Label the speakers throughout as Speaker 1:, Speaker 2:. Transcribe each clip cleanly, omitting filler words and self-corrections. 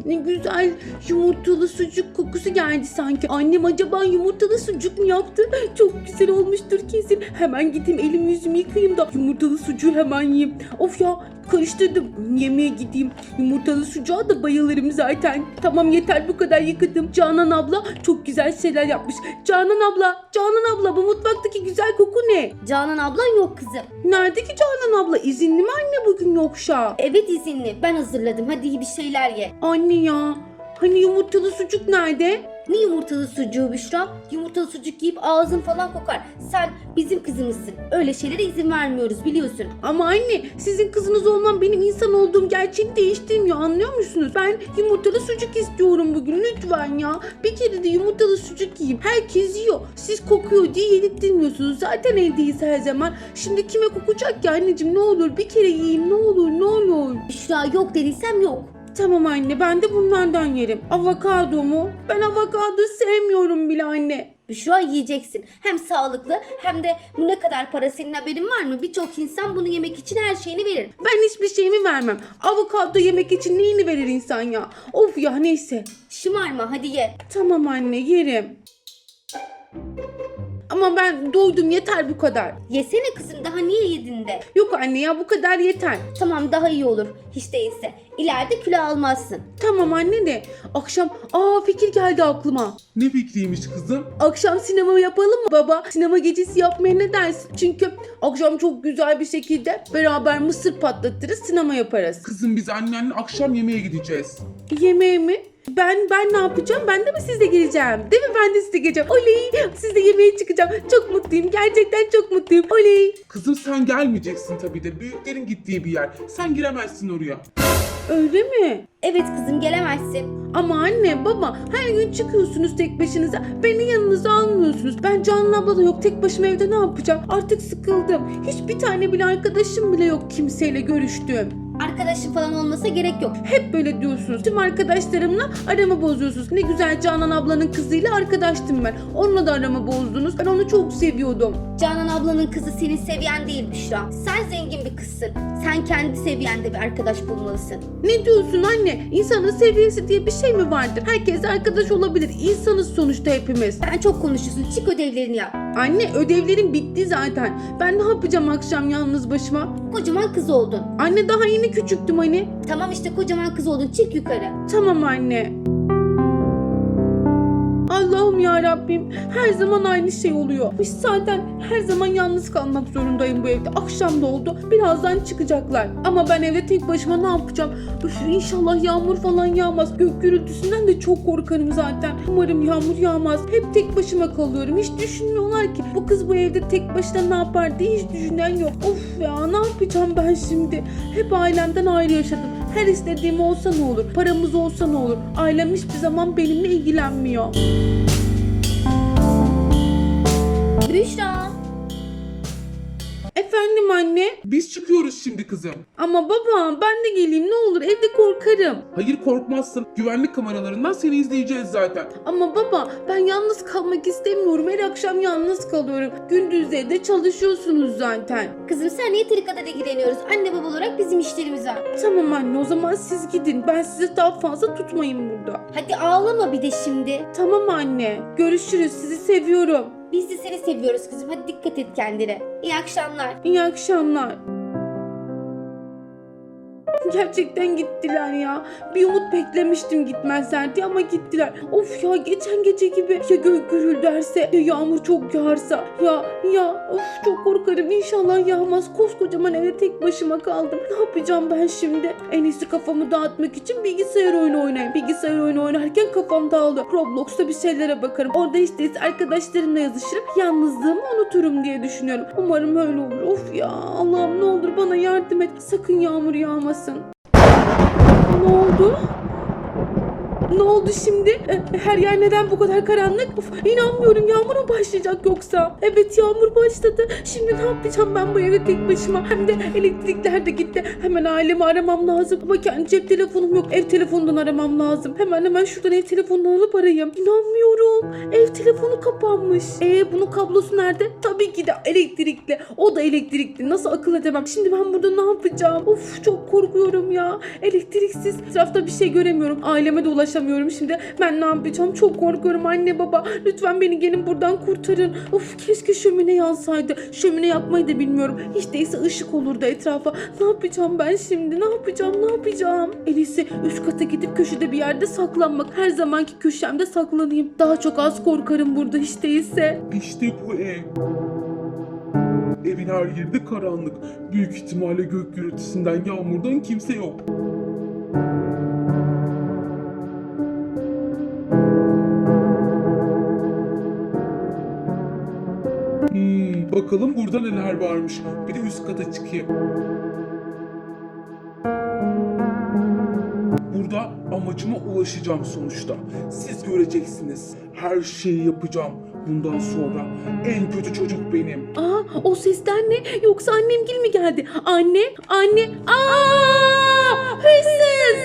Speaker 1: ne güzel yumurtalı sucuk kokusu geldi sanki. Annem acaba yumurtalı sucuk mu yaptı? Çok güzel olmuştur kesin. Hemen gideyim elimi yüzümü yıkayayım da yumurtalı sucuğu hemen yiyeyim. Of ya, karıştırdım. Yemeğe gideyim. Yumurtalı sucuğa da bayılırım zaten. Tamam, yeter bu kadar yıkadım. Canan abla çok güzel şeyler yapmış. Canan abla bu mutfaktaki güzel koku ne?
Speaker 2: Canan ablan yok kızım.
Speaker 1: Nerede ki Canan abla? İzinli mi anne bugün yoksa?
Speaker 2: Evet izinli. Ben hazırladım. Hadi iyi bir şeyler ye.
Speaker 1: Anne ya, hani yumurtalı sucuk nerede?
Speaker 2: Ne yumurtalı sucuğu Büşra? Yumurtalı sucuk yiyip ağzın falan kokar. Sen bizim kızımızsın. Öyle şeylere izin vermiyoruz biliyorsun.
Speaker 1: Ama anne, sizin kızınız olmam benim insan olduğum gerçeğini değiştirmiyor, anlıyor musunuz? Ben yumurtalı sucuk istiyorum bugün, lütfen ya. Bir kere de yumurtalı sucuk yiyeyim. Herkes yiyor. Siz kokuyor diye yedirtmiyorsunuz. Zaten evdeyiz her zaman. Şimdi kime kokacak ki anneciğim, ne olur bir kere yiyeyim, ne olur ne olur.
Speaker 2: Büşra yok dediysem yok.
Speaker 1: Tamam anne, ben de bunlardan yerim. Avokado mu? Ben avokado sevmiyorum bile anne.
Speaker 2: Büşra yiyeceksin. Hem sağlıklı hem de bu ne kadar para, senin haberin var mı? Birçok insan bunu yemek için her şeyini verir.
Speaker 1: Ben hiçbir şeyimi vermem. Avokado yemek için neyini verir insan ya? Of ya, neyse.
Speaker 2: Şımarma hadi ye.
Speaker 1: Tamam anne, yerim. Ama ben doydum, yeter bu kadar.
Speaker 2: Yesene kızım, daha niye yedin de?
Speaker 1: Yok anne ya, bu kadar yeter.
Speaker 2: Tamam, daha iyi olur. Hiç değilse. İleride kilo almazsın.
Speaker 1: Tamam anne de akşam fikir geldi aklıma.
Speaker 3: Ne fikriymiş kızım?
Speaker 1: Akşam sinema yapalım mı baba? Sinema gecesi yapmaya ne dersin? Çünkü akşam çok güzel bir şekilde beraber mısır patlatırız, sinema yaparız.
Speaker 3: Kızım biz annenle akşam yemeğe gideceğiz.
Speaker 1: Yemeğe mi? Ben ne yapacağım? Ben de mi sizle geleceğim? Değil mi? Ben de sizle geleceğim. Oley! Sizle yemeğe çıkacağım. Çok mutluyum. Gerçekten çok mutluyum. Oley!
Speaker 3: Kızım sen gelmeyeceksin tabii de, büyüklerin gittiği bir yer. Sen giremezsin oraya.
Speaker 1: Öyle mi?
Speaker 2: Evet kızım, gelemezsin.
Speaker 1: Ama anne, baba her gün çıkıyorsunuz tek başınıza. Beni yanınıza almıyorsunuz. Ben Canan abla da yok. Tek başıma evde ne yapacağım? Artık sıkıldım. Hiçbir tane bile arkadaşım bile yok kimseyle görüştüğüm.
Speaker 2: Arkadaşın falan olmasa gerek yok.
Speaker 1: Hep böyle diyorsunuz. Tüm arkadaşlarımla aramı bozuyorsunuz. Ne güzel Canan ablanın kızıyla arkadaştım ben. Onunla da aramı bozdunuz. Ben onu çok seviyordum.
Speaker 2: Canan ablanın kızı senin seviyen değil Büşra. Sen zengin bir kızsın. Sen kendi seviyende bir arkadaş bulmalısın.
Speaker 1: Ne diyorsun anne? İnsanın seviyesi diye bir şey mi vardır? Herkes arkadaş olabilir. İnsanız sonuçta hepimiz.
Speaker 2: Sen çok konuşuyorsun. Çık ödevlerini yap.
Speaker 1: Anne, ödevlerim bitti zaten. Ben ne yapacağım akşam yalnız başıma?
Speaker 2: Kocaman kız oldun.
Speaker 1: Anne, daha yeni küçüktüm hani.
Speaker 2: Tamam işte, kocaman kız oldun. Çık yukarı.
Speaker 1: Tamam anne. Allah'ım ya Rabbim, her zaman aynı şey oluyor. Biz zaten her zaman yalnız kalmak zorundayım bu evde. Akşam da oldu. Birazdan çıkacaklar. Ama ben evde tek başıma ne yapacağım? Üf, inşallah yağmur falan yağmaz. Gök gürültüsünden de çok korkarım zaten. Umarım yağmur yağmaz. Hep tek başıma kalıyorum. Hiç düşünmüyorlar ki bu kız bu evde tek başına ne yapar diye hiç düşünen yok. Of ya, ne yapacağım ben şimdi? Hep ailemden ayrı yaşadım. Her istediğim olsa ne olur? Paramız olsa ne olur? Ailem hiçbir zaman benimle ilgilenmiyor.
Speaker 2: Büşra.
Speaker 1: Efendim anne?
Speaker 3: Biz çıkıyoruz şimdi kızım.
Speaker 1: Ama baba, ben de geleyim ne olur, evde korkarım.
Speaker 3: Hayır, korkmazsın. Güvenlik kameralarından seni izleyeceğiz zaten.
Speaker 1: Ama baba, ben yalnız kalmak istemiyorum. Her akşam yalnız kalıyorum. Gündüzleri de çalışıyorsunuz zaten.
Speaker 2: Kızım sen yeteri kadar ilgileniyoruz. Anne baba olarak bizim işlerimiz var.
Speaker 1: Tamam anne, o zaman siz gidin. Ben sizi daha fazla tutmayayım burada.
Speaker 2: Hadi ağlama bir de şimdi.
Speaker 1: Tamam anne, görüşürüz. Sizi seviyorum.
Speaker 2: Biz de seni seviyoruz kızım. Hadi dikkat et kendine. İyi akşamlar.
Speaker 1: İyi akşamlar. Gerçekten gittiler ya. Bir umut beklemiştim gitmezler diye ama gittiler. Of ya, geçen gece gibi ya gök gürülderse ya yağmur çok yağarsa ya of, çok korkarım. İnşallah yağmaz. Koskocaman evde tek başıma kaldım. Ne yapacağım ben şimdi? En iyisi kafamı dağıtmak için bilgisayar oyunu oynayayım. Bilgisayar oyunu oynarken kafam dağılıyor. Roblox'ta bir şeylere bakarım. Orada işte arkadaşlarımla yazışırım. Yalnızlığımı unuturum diye düşünüyorum. Umarım öyle olur. Of ya, Allah'ım ne olur bana yardım et. Sakın yağmur yağmasın. Ne oldu? Ne oldu şimdi? Her yer neden bu kadar karanlık? Of, inanmıyorum, yağmur mu başlayacak yoksa? Evet, yağmur başladı. Şimdi ne yapacağım ben bu evde tek başıma? Hem de elektrikler de gitti. Hemen ailemi aramam lazım. Ama kendi cep telefonum yok. Ev telefonundan aramam lazım. Hemen şuradan ev telefonundan alıp arayayım. İnanmıyorum. Ev telefonu kapanmış. Bunun kablosu nerede? Tabii ki de elektrikli. O da elektrikli. Nasıl akıl edemem? Şimdi ben burada ne yapacağım? Of, çok korkuyorum ya. Elektriksiz. Etrafta bir şey göremiyorum. Aileme de ulaşamıyorum şimdi. Ben ne yapacağım? Çok korkuyorum anne baba. Lütfen beni gelin buradan kurtarın. Of, keşke şömine yansaydı. Şömine yapmayı da bilmiyorum. Hiç değilse ışık olurdu etrafa. Ne yapacağım ben şimdi? Ne yapacağım? En iyisi üst kata gidip köşede bir yerde saklanmak. Her zamanki köşemde saklanayım. Daha çok az korkarım burada hiç değilse.
Speaker 3: İşte bu ev. Evin her yeri de karanlık. Büyük ihtimalle gök gürültüsünden, yağmurdan kimse yok. Bakalım burada neler varmış. Bir de üst kata çıkayım. Burada amacıma ulaşacağım sonuçta. Siz göreceksiniz. Her şeyi yapacağım. Bundan sonra en kötü çocuk benim.
Speaker 1: O sesler ne? Yoksa annemgil mi geldi? Anne. Hırsız.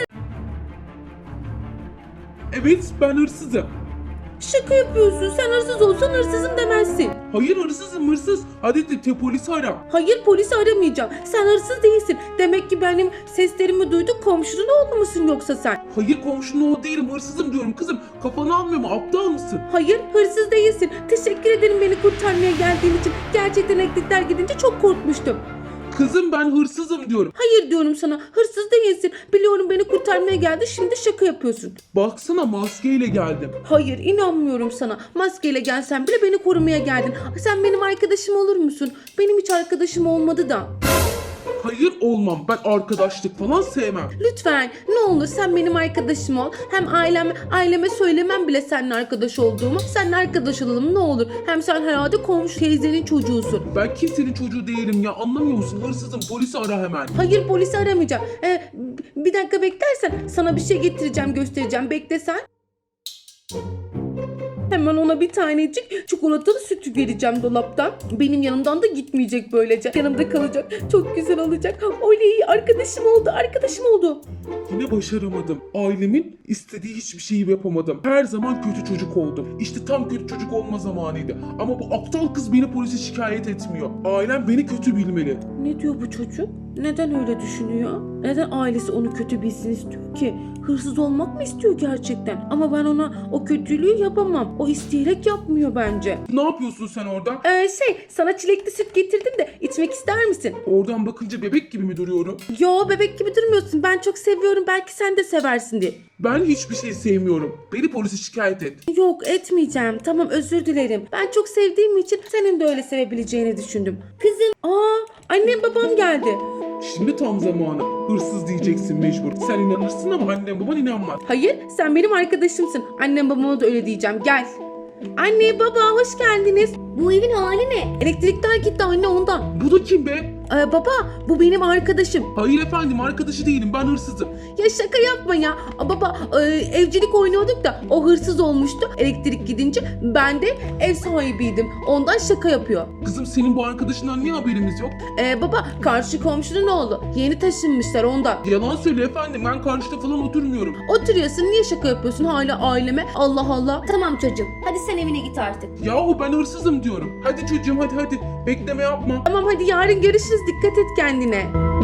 Speaker 3: Evet, ben hırsızım.
Speaker 1: Şaka yapıyorsun. Sen hırsız olsan hırsızım demezsin.
Speaker 3: Hayır, hırsızım hırsız. Hadi de polisi ara.
Speaker 1: Hayır, polisi aramayacağım. Sen hırsız değilsin. Demek ki benim seslerimi duydun, komşunun oğlu musun yoksa sen?
Speaker 3: Hayır, komşunun oğlu değilim, hırsızım diyorum kızım. Kafanı almıyor mu? Aptal mısın?
Speaker 1: Hayır, hırsız değilsin. Teşekkür ederim beni kurtarmaya geldiğin için. Gerçekten elektrikler gidince çok korkmuştum.
Speaker 3: Kızım, ben hırsızım diyorum.
Speaker 1: Hayır diyorum sana. Hırsız değilsin. Biliyorum beni kurtarmaya geldi. Şimdi şaka yapıyorsun.
Speaker 3: Baksana, maskeyle geldim.
Speaker 1: Hayır, inanmıyorum sana. Maskeyle gelsen bile beni korumaya geldin. Sen benim arkadaşım olur musun? Benim hiç arkadaşım olmadı da.
Speaker 3: Hayır, olmam. Ben arkadaşlık falan sevmem.
Speaker 1: Lütfen ne olur sen benim arkadaşım ol. Hem aileme söylemem bile seninle arkadaş olduğumu. Seninle arkadaş olalım ne olur. Hem sen herhalde komşu teyzenin çocuğusun.
Speaker 3: Ben kimsenin çocuğu değilim ya, anlamıyor musun? Hırsızım, polisi ara hemen.
Speaker 1: Hayır, polisi aramayacağım. Bir dakika beklersen sana bir şey getireceğim, göstereceğim. Bekle sen. Hemen ona bir tanecik çikolatalı sütü vereceğim dolaptan. Benim yanımdan da gitmeyecek böylece. Yanımda kalacak. Çok güzel olacak. Oley, arkadaşım oldu.
Speaker 3: Yine başaramadım. Ailemin istediği hiçbir şeyi yapamadım. Her zaman kötü çocuk oldum. İşte tam kötü çocuk olma zamanıydı. Ama bu aptal kız beni polise şikayet etmiyor. Ailem beni kötü bilmeli.
Speaker 1: Ne diyor bu çocuk? Neden öyle düşünüyor? Neden ailesi onu kötü bilsin istiyor ki? Hırsız olmak mı istiyor gerçekten? Ama ben ona o kötülüğü yapamam. O isteyerek yapmıyor bence.
Speaker 3: Ne yapıyorsun sen orada?
Speaker 1: Sana çilekli süt getirdim de içmek ister misin?
Speaker 3: Oradan bakınca bebek gibi mi duruyorum?
Speaker 1: Yo, bebek gibi durmuyorsun. Ben çok seviyorum. Belki sen de seversin diye.
Speaker 3: Ben hiçbir şey sevmiyorum. Beni polise şikayet et.
Speaker 1: Yok, etmeyeceğim. Tamam, özür dilerim. Ben çok sevdiğim için senin de öyle sevebileceğini düşündüm.
Speaker 2: Kızım,
Speaker 1: Annem babam geldi.
Speaker 3: Şimdi tam zamanı. Hırsız diyeceksin mecbur. Sen inanırsın ama annem baban inanmaz.
Speaker 1: Hayır, sen benim arkadaşımsın. Annem babama da öyle diyeceğim. Gel. Anne baba, hoş geldiniz.
Speaker 2: bu evin hali ne?
Speaker 1: Elektrikler gitti anne, ondan.
Speaker 3: Bu da kim be?
Speaker 1: Baba, bu benim arkadaşım.
Speaker 3: Hayır efendim, arkadaşı değilim, ben hırsızım.
Speaker 1: Ya şaka yapma ya. Baba, evcilik oynuyorduk da o hırsız olmuştu. Elektrik gidince ben de ev sahibiydim. Ondan şaka yapıyor.
Speaker 3: Kızım, senin bu arkadaşından niye haberimiz yok?
Speaker 1: Baba, karşı komşunun oğlu. Yeni taşınmışlar ondan.
Speaker 3: Yalan söyle efendim, ben karşıda falan oturmuyorum.
Speaker 1: Oturuyorsun, niye şaka yapıyorsun hala aileme? Allah Allah.
Speaker 2: Tamam çocuğum, hadi sen evine git artık.
Speaker 3: Yahu ben hırsızım diyorum. Hadi çocuğum, hadi. Bekleme yapma.
Speaker 1: Tamam, hadi yarın görüşürüz. Dikkat et kendine.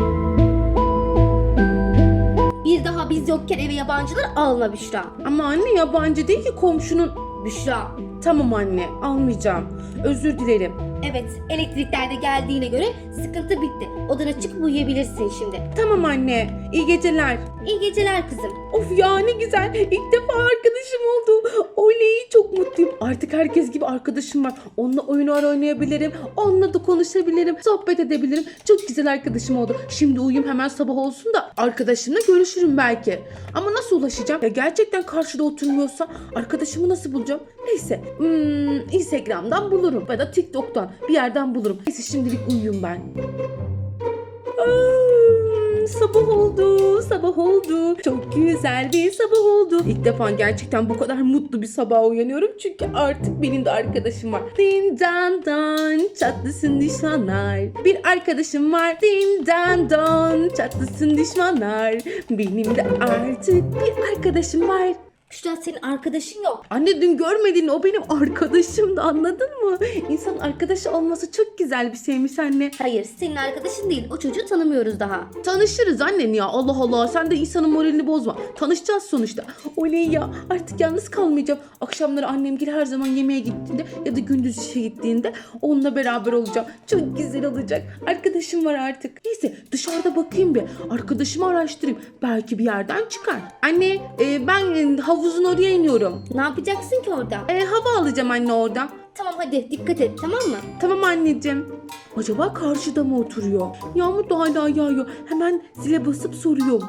Speaker 2: Bir daha biz yokken eve yabancılar alma Büşra.
Speaker 1: Ama anne, yabancı değil ki, komşunun.
Speaker 2: Büşra.
Speaker 1: Tamam anne, almayacağım. Özür dilerim.
Speaker 2: Evet, elektrikler de geldiğine göre sıkıntı bitti. Odana çıkıp uyuyabilirsin şimdi.
Speaker 1: Tamam anne. İyi geceler.
Speaker 2: İyi geceler kızım.
Speaker 1: Of ya, ne güzel. İlk defa arkadaşım oldu. Oley, çok mutluyum. Artık herkes gibi arkadaşım var. Onunla oyunlar oynayabilirim. Onunla da konuşabilirim. Sohbet edebilirim. Çok güzel arkadaşım oldu. Şimdi uyuyayım, hemen sabah olsun da arkadaşımla görüşürüm belki. Ama nasıl ulaşacağım? Ya gerçekten karşıda oturmuyorsa arkadaşımı nasıl bulacağım? Neyse. Instagram'dan bulurum. Ya da TikTok'tan bir yerden bulurum. Neyse, şimdilik uyuyayım ben. Sabah oldu, sabah oldu. Çok güzel bir sabah oldu. İlk defa gerçekten bu kadar mutlu bir sabaha uyanıyorum. Çünkü artık benim de arkadaşım var. Din dan dan çatlasın düşmanlar. Bir arkadaşım var. Din dan dan çatlasın düşmanlar. Benim de artık bir arkadaşım var.
Speaker 2: Büşra senin arkadaşın yok.
Speaker 1: Anne dün görmedin, o benim arkadaşımdı, anladın mı? İnsan arkadaşı olması çok güzel bir şeymiş anne.
Speaker 2: Hayır senin arkadaşın değil. O çocuğu tanımıyoruz daha.
Speaker 1: Tanışırız annen ya, Allah Allah, sen de insanın moralini bozma. Tanışacağız sonuçta. Oley ya, artık yalnız kalmayacağım. Akşamları annemgil her zaman yemeğe gittiğinde ya da gündüz işe gittiğinde onunla beraber olacağım. Çok güzel olacak. Arkadaşım var artık. Neyse dışarıda bakayım bir. Arkadaşımı araştırayım. Belki bir yerden çıkar. Anne ben havuzun oraya iniyorum.
Speaker 2: Ne yapacaksın ki orada?
Speaker 1: Hava alacağım anne oradan.
Speaker 2: Tamam hadi dikkat et tamam mı?
Speaker 1: Tamam anneciğim. Acaba karşıda mı oturuyor? Yağmur da hala yağıyor. Hemen zile basıp soruyorum.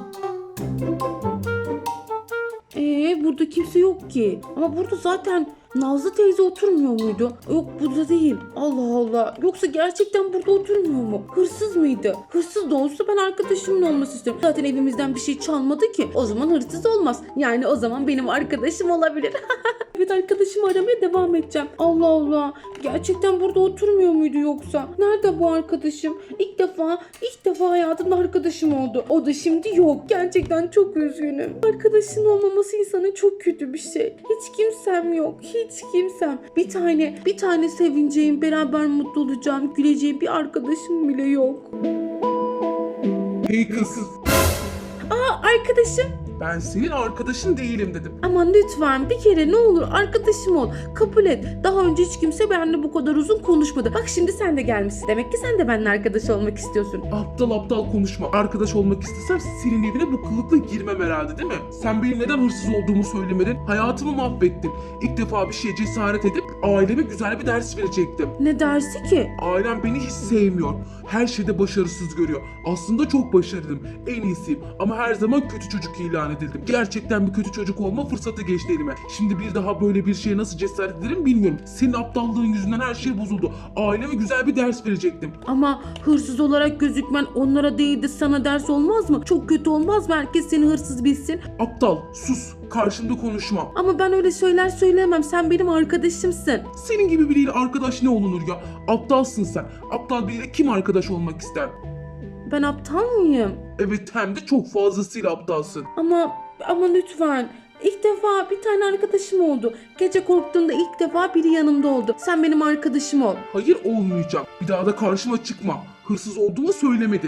Speaker 1: Burada kimse yok ki. Ama burada zaten Nazlı teyze oturmuyor muydu? Yok burada değil. Allah Allah. Yoksa gerçekten burada oturmuyor mu? Hırsız mıydı? Hırsız da olsa ben arkadaşımın olması istiyorum. Zaten evimizden bir şey çalmadı ki. O zaman hırsız olmaz. Yani o zaman benim arkadaşım olabilir. Evet, arkadaşımı aramaya devam edeceğim. Allah Allah. Gerçekten burada oturmuyor muydu yoksa? Nerede bu arkadaşım? İlk defa hayatımda arkadaşım oldu. O da şimdi yok. Gerçekten çok üzgünüm. Arkadaşın olmaması insana çok kötü bir şey. Hiç kimsem yok. Hiç kimsem. Bir tane sevineceğim, beraber mutlu olacağım, güleceğim bir arkadaşım bile yok.
Speaker 3: Hey kız,
Speaker 1: Arkadaşım.
Speaker 3: ben senin arkadaşın değilim dedim.
Speaker 1: Aman lütfen bir kere ne olur arkadaşım ol. Kabul et. Daha önce hiç kimse benimle bu kadar uzun konuşmadı. Bak şimdi sen de gelmişsin. Demek ki sen de benimle arkadaş olmak istiyorsun.
Speaker 3: Aptal aptal konuşma. Arkadaş olmak istesem senin evine bu kılıkla girmem herhalde değil mi? Sen benim neden hırsız olduğumu söylemedin. Hayatımı mahvettin. İlk defa bir şeye cesaret edip aileme güzel bir ders verecektim.
Speaker 1: Ne dersi ki?
Speaker 3: Ailem beni hiç sevmiyor. Her şeyde başarısız görüyor. Aslında çok başarılıyım. En iyisiyim. Ama her zaman kötü çocuk ilan edildim. Gerçekten bir kötü çocuk olma fırsatı geçti elime. Şimdi bir daha böyle bir şeye nasıl cesaret ederim bilmiyorum. Senin aptallığın yüzünden her şey bozuldu. Aileme güzel bir ders verecektim.
Speaker 1: Ama hırsız olarak gözükmen onlara değil de sana ders olmaz mı? Çok kötü olmaz mı? Herkes seni hırsız bilsin.
Speaker 3: Aptal, sus. Karşımda konuşma.
Speaker 1: Ama ben öyle şeyler söyleyemem. Sen benim arkadaşımsın.
Speaker 3: Senin gibi biriyle arkadaş ne olunur ya? Aptalsın sen. Aptal biriyle kim arkadaş olmak ister?
Speaker 1: Ben aptal mıyım?
Speaker 3: Evet, hem de çok fazlasıyla aptalsın.
Speaker 1: Ama lütfen. İlk defa bir tane arkadaşım oldu. Gece korktuğumda ilk defa biri yanımda oldu. Sen benim arkadaşım ol.
Speaker 3: Hayır, olmayacağım. Bir daha da karşıma çıkma. Hırsız olduğumu söylemedin.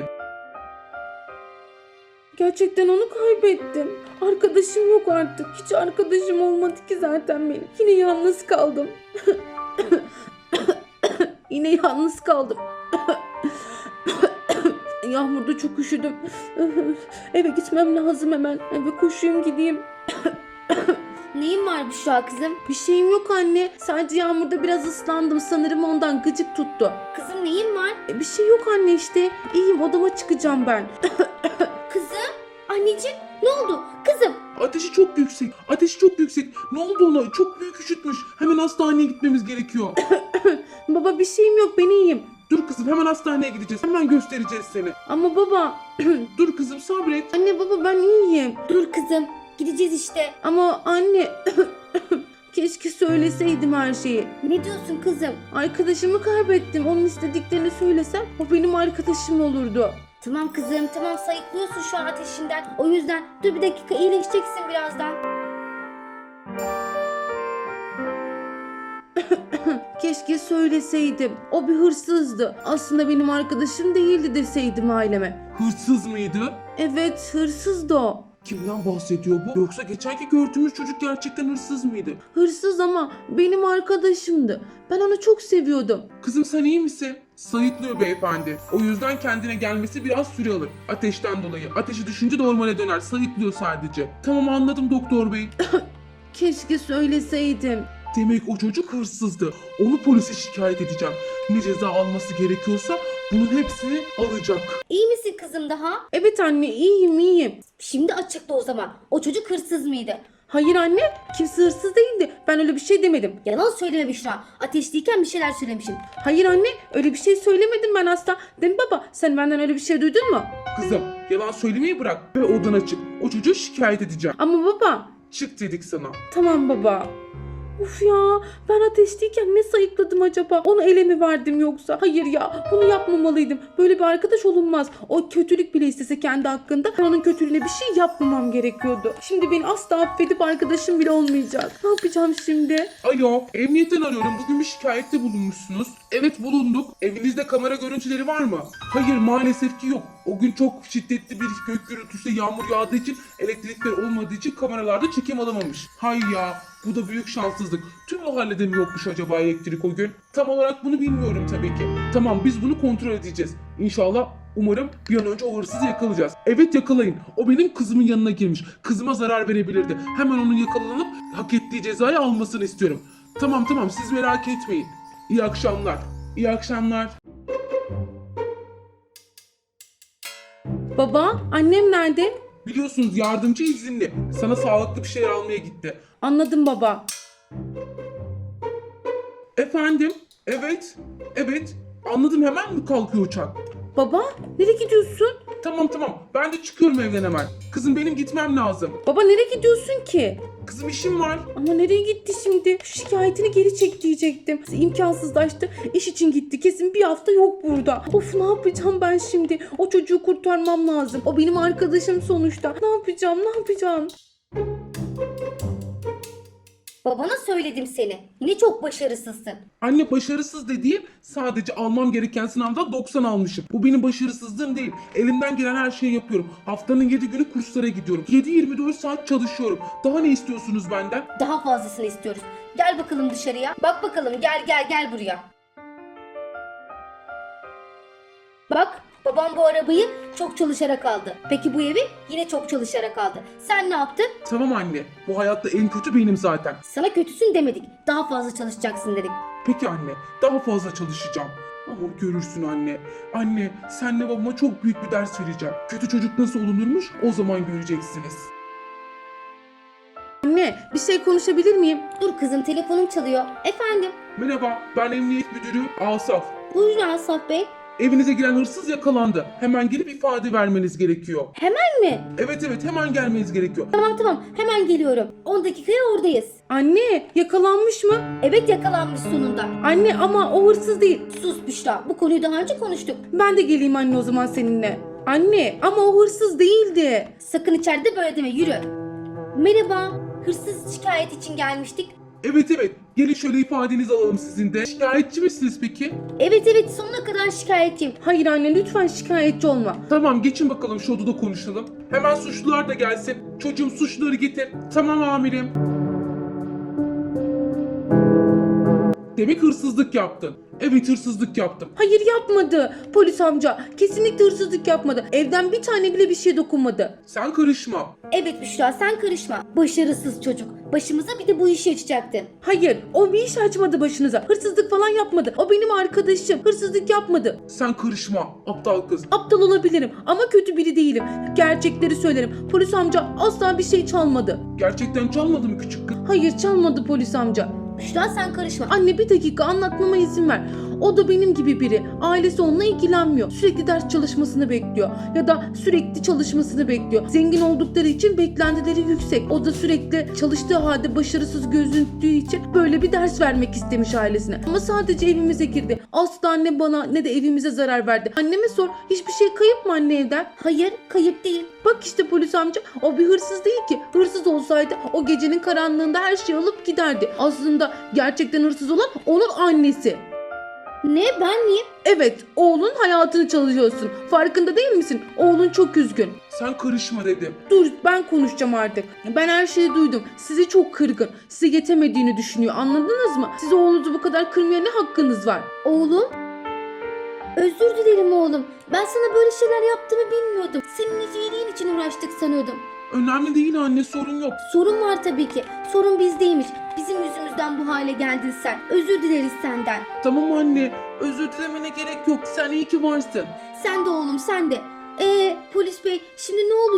Speaker 1: Gerçekten onu kaybettim. Arkadaşım yok artık. Hiç arkadaşım olmadı ki zaten benim. Yine yalnız kaldım. Yine yalnız kaldım. Yağmurda çok üşüdüm. Eve gitmem lazım hemen. Eve koşayım gideyim.
Speaker 2: Neyin var Büşra kızım?
Speaker 1: Bir şeyim yok anne. Sadece yağmurda biraz ıslandım. Sanırım ondan gıcık tuttu.
Speaker 2: Kızım neyin var?
Speaker 1: Bir şey yok anne işte. İyiyim, odama çıkacağım ben.
Speaker 2: Kızım? Anneciğim ne oldu? Kızım.
Speaker 3: Ateşi çok yüksek. Ateşi çok yüksek. Ne oldu ona? Çok büyük üşütmüş. Hemen hastaneye gitmemiz gerekiyor.
Speaker 1: Baba bir şeyim yok, ben iyiyim.
Speaker 3: Dur kızım, hemen hastaneye gideceğiz. Hemen göstereceğiz seni.
Speaker 1: Ama baba...
Speaker 3: Dur kızım, sabret.
Speaker 1: Anne baba ben iyiyim.
Speaker 2: Dur kızım. Gideceğiz işte.
Speaker 1: Ama anne... Keşke söyleseydim her şeyi.
Speaker 2: Ne diyorsun kızım?
Speaker 1: Arkadaşımı kaybettim. Onun istediklerini söylesem o benim arkadaşım olurdu.
Speaker 2: Tamam kızım tamam sayıklıyorsun şu an ateşinden. O yüzden dur bir dakika iyileşeceksin birazdan.
Speaker 1: Keşke söyleseydim. O bir hırsızdı. Aslında benim arkadaşım değildi deseydim aileme.
Speaker 3: Hırsız mıydı?
Speaker 1: Evet, hırsızdı o.
Speaker 3: Kimden bahsediyor bu? Yoksa geçenki gördüğümüz çocuk gerçekten hırsız mıydı?
Speaker 1: Hırsız ama benim arkadaşımdı. Ben onu çok seviyordum.
Speaker 3: Kızım sen iyi misin? Sayıklıyor beyefendi. O yüzden kendine gelmesi biraz süre alır. Ateşten dolayı. Ateşi düşünce normale döner. Sayıklıyor sadece. Tamam, anladım doktor bey.
Speaker 1: Keşke söyleseydim.
Speaker 3: Demek o çocuk hırsızdı. Onu polise şikayet edeceğim. Ne ceza alması gerekiyorsa bunun hepsini alacak.
Speaker 2: İyi misin kızım daha?
Speaker 1: Evet anne, iyiyim.
Speaker 2: Şimdi açıkla o zaman. O çocuk hırsız mıydı?
Speaker 1: Hayır anne, kimse hırsız değildi. Ben öyle bir şey demedim.
Speaker 2: Yalan söyleme Büşra. Ateşliyken bir şeyler söylemişsin.
Speaker 1: Hayır anne, öyle bir şey söylemedim ben asla. Değil mi baba? Sen benden öyle bir şey duydun mu?
Speaker 3: Kızım yalan söylemeyi bırak ve odana çık. O çocuğu şikayet edeceğim.
Speaker 1: Ama baba.
Speaker 3: Çık dedik sana.
Speaker 1: Tamam baba. Uf ya, ben ateşteyken ne sayıkladım acaba? Onu ele mi verdim yoksa? Hayır ya, bunu yapmamalıydım. Böyle bir arkadaş olunmaz. O kötülük bile istese kendi hakkında ben onun kötülüğüne bir şey yapmamam gerekiyordu. Şimdi beni asla affedip arkadaşım bile olmayacak. Ne yapacağım şimdi?
Speaker 3: Alo, emniyetten arıyorum. Bugün bir şikayette bulunmuşsunuz. Evet bulunduk. Evinizde kamera görüntüleri var mı? Hayır maalesef ki yok. O gün çok şiddetli bir gök gürültüsü yağmur yağdığı için elektrikler olmadığı için kameralarda çekim alamamış. Hay ya bu da büyük şanssızlık. Tüm mahallede mi yokmuş acaba elektrik o gün? Tam olarak bunu bilmiyorum tabii ki. Tamam biz bunu kontrol edeceğiz. İnşallah umarım bir an önce o hırsızı yakalayacağız. Evet yakalayın. O benim kızımın yanına girmiş. Kızıma zarar verebilirdi. Hemen onun yakalanıp hak ettiği cezayı almasını istiyorum. Tamam siz merak etmeyin. İyi akşamlar. İyi akşamlar.
Speaker 1: Baba, annem nerede?
Speaker 3: Biliyorsunuz yardımcı izinli. Sana sağlıklı bir şeyler almaya gitti.
Speaker 1: Anladım baba.
Speaker 3: Efendim? Evet. Anladım hemen mi kalkıyor uçak?
Speaker 1: Baba, nereye gidiyorsun?
Speaker 3: Tamam. Ben de çıkıyorum evden hemen. Kızım benim gitmem lazım.
Speaker 1: Baba nereye gidiyorsun ki?
Speaker 3: Kızım işim var.
Speaker 1: Ama nereye gitti şimdi? Şu şikayetini geri çek diyecektim. İmkansızlaştı. İş için gitti. Kesin bir hafta yok burada. Of ne yapacağım ben şimdi? O çocuğu kurtarmam lazım. O benim arkadaşım sonuçta. Ne yapacağım?
Speaker 2: Babana söyledim seni. Yine çok başarısızsın.
Speaker 3: Anne başarısız dediğim sadece almam gereken sınavda 90 almışım. Bu benim başarısızlığım değil. Elimden gelen her şeyi yapıyorum. Haftanın 7 günü kurslara gidiyorum. 7-24 saat çalışıyorum. Daha ne istiyorsunuz benden?
Speaker 2: Daha fazlasını istiyoruz. Gel bakalım dışarıya. Bak bakalım gel buraya. Bak babam bu arabayı çok çalışarak aldı. Peki bu evi yine çok çalışarak aldı. Sen ne yaptın?
Speaker 3: Tamam anne. Bu hayatta en kötü benim zaten.
Speaker 2: Sana kötüsün demedik. Daha fazla çalışacaksın dedik.
Speaker 3: Peki anne. Daha fazla çalışacağım. Ama görürsün anne. Anne senle babama çok büyük bir ders vereceğim. Kötü çocuk nasıl olunurmuş o zaman göreceksiniz.
Speaker 1: Anne bir şey konuşabilir miyim?
Speaker 2: Dur kızım telefonum çalıyor. Efendim?
Speaker 3: Merhaba ben emniyet müdürü Asaf.
Speaker 2: Buyurun Asaf Bey.
Speaker 3: Evinize giren hırsız yakalandı. Hemen gelip ifade vermeniz gerekiyor.
Speaker 2: Hemen mi?
Speaker 3: Evet hemen gelmeniz gerekiyor.
Speaker 2: Tamam hemen geliyorum. 10 dakikaya oradayız.
Speaker 1: Anne yakalanmış mı?
Speaker 2: Evet yakalanmış sonunda.
Speaker 1: Anne ama o hırsız değil.
Speaker 2: Sus Büşra, bu konuyu daha önce konuştuk.
Speaker 1: Ben de geleyim anne o zaman seninle. Anne ama o hırsız değildi.
Speaker 2: Sakın içeride böyle deme, yürü. Merhaba, hırsız şikayet için gelmiştik.
Speaker 3: Evet gelin şöyle ifadenizi alalım sizin de. Şikayetçi misiniz peki?
Speaker 2: Evet sonuna kadar şikayetçiyim.
Speaker 1: Hayır anne lütfen şikayetçi olma.
Speaker 3: Tamam geçin bakalım şu odada konuşalım. Hemen suçlular da gelsin. Çocuğum suçluları getir. Tamam amirim. Demek hırsızlık yaptın. Evet hırsızlık yaptım.
Speaker 1: Hayır yapmadı. Polis amca kesinlikle hırsızlık yapmadı. Evden bir tane bile bir şey dokunmadı.
Speaker 3: Sen karışma.
Speaker 2: Evet Büşra, sen karışma. Başarısız çocuk. Başımıza bir de bu işi açacaktın.
Speaker 1: Hayır o bir iş açmadı başınıza. Hırsızlık falan yapmadı. O benim arkadaşım. Hırsızlık yapmadı.
Speaker 3: Sen karışma aptal kız.
Speaker 1: Aptal olabilirim ama kötü biri değilim. Gerçekleri söylerim. Polis amca asla bir şey çalmadı.
Speaker 3: Gerçekten çalmadı mı küçük kız?
Speaker 1: Hayır çalmadı polis amca.
Speaker 2: Büşra sen karışma.
Speaker 1: Anne bir dakika anlatmama izin ver. O da benim gibi biri. Ailesi onunla ilgilenmiyor. Sürekli ders çalışmasını bekliyor. Ya da sürekli çalışmasını bekliyor. Zengin oldukları için beklentileri yüksek. O da sürekli çalıştığı halde başarısız gözüktüğü için böyle bir ders vermek istemiş ailesine. Ama sadece evimize girdi. Asla ne bana ne de evimize zarar verdi. Anneme sor. Hiçbir şey kayıp mı anne evden?
Speaker 2: Hayır, kayıp değil.
Speaker 1: Bak işte polis amca o bir hırsız değil ki. Hırsız olsaydı o gecenin karanlığında her şeyi alıp giderdi. Aslında gerçekten hırsız olan onun annesi.
Speaker 2: Ne, ben miyim?
Speaker 1: Evet, oğlun hayatını çalışıyorsun. Farkında değil misin? Oğlun çok üzgün.
Speaker 3: Sen karışma dedim.
Speaker 1: Dur, ben konuşacağım artık. Ben her şeyi duydum. Sizi çok kırgın. Size yetemediğini düşünüyor. Anladınız mı? Siz oğlunuzu bu kadar kırmaya ne hakkınız var?
Speaker 2: Oğlum? Özür dilerim oğlum. Ben sana böyle şeyler yaptığımı bilmiyordum. Senin iyiliğin için uğraştık sanıyordum.
Speaker 3: Önemli değil anne sorun yok.
Speaker 2: Sorun var tabii ki. Sorun bizdeymiş. Bizim yüzümüzden bu hale geldin sen. Özür dileriz senden.
Speaker 3: Tamam anne özür dilemene gerek yok. Sen iyi ki varsın.
Speaker 2: Sen de oğlum, sen de. Polis bey, şimdi ne olacak?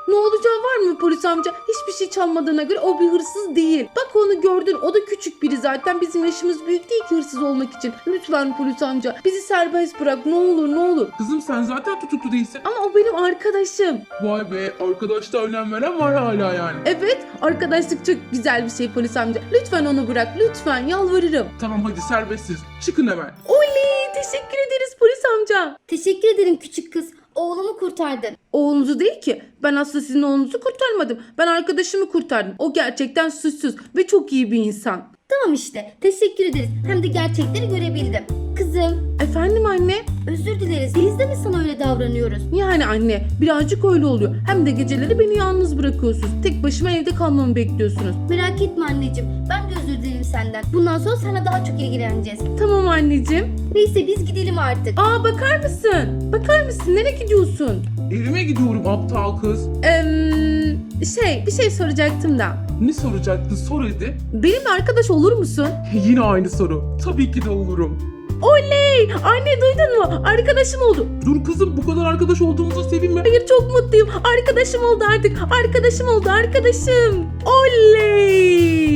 Speaker 1: Ne olacağı var mı polis amca? Hiçbir şey çalmadığına göre o bir hırsız değil. Bak onu gördün, o da küçük biri zaten. Bizim yaşımız büyük değil ki hırsız olmak için. Lütfen polis amca bizi serbest bırak, ne olur ne olur.
Speaker 3: Kızım sen zaten tutuklu değilsin.
Speaker 1: Ama o benim arkadaşım.
Speaker 3: Vay be, arkadaşta önem veren var hala yani.
Speaker 1: Evet, arkadaşlık çok güzel bir şey polis amca. Lütfen onu bırak, lütfen yalvarırım.
Speaker 3: Tamam hadi serbestsiz. Çıkın hemen.
Speaker 1: Oley, teşekkür ederiz polis amca.
Speaker 2: Teşekkür ederim küçük kız. Oğlumu kurtardın.
Speaker 1: Oğlunuzu değil ki. Ben aslında sizin oğlunuzu kurtarmadım. Ben arkadaşımı kurtardım. O gerçekten suçsuz ve çok iyi bir insan.
Speaker 2: Tamam işte. Teşekkür ederiz. Hem de gerçekleri görebildim. Kızım,
Speaker 1: Efendim anne?
Speaker 2: özür dileriz. Biz de mi sana öyle davranıyoruz?
Speaker 1: Yani anne, birazcık öyle oluyor. Hem de geceleri beni yalnız bırakıyorsunuz. Tek başıma evde kalmamı bekliyorsunuz.
Speaker 2: Merak etme anneciğim. Ben de özür dilerim senden. Bundan sonra sana daha çok ilgileneceğiz.
Speaker 1: Tamam anneciğim.
Speaker 2: Neyse biz gidelim artık.
Speaker 1: Aa, bakar mısın? Bakar mısın? Nereye gidiyorsun?
Speaker 3: Evime gidiyorum aptal kız.
Speaker 1: Bir şey soracaktım da.
Speaker 3: Ne soracaktın, sor hadi.
Speaker 1: Benimle arkadaş olur musun?
Speaker 3: Yine aynı soru. Tabii ki de olurum.
Speaker 1: Oley! Anne duydun mu? Arkadaşım oldu.
Speaker 3: Dur kızım, bu kadar arkadaş olduğumuza sevinme.
Speaker 1: Hayır, çok mutluyum. Arkadaşım oldu artık. Arkadaşım oldu, arkadaşım. Oley!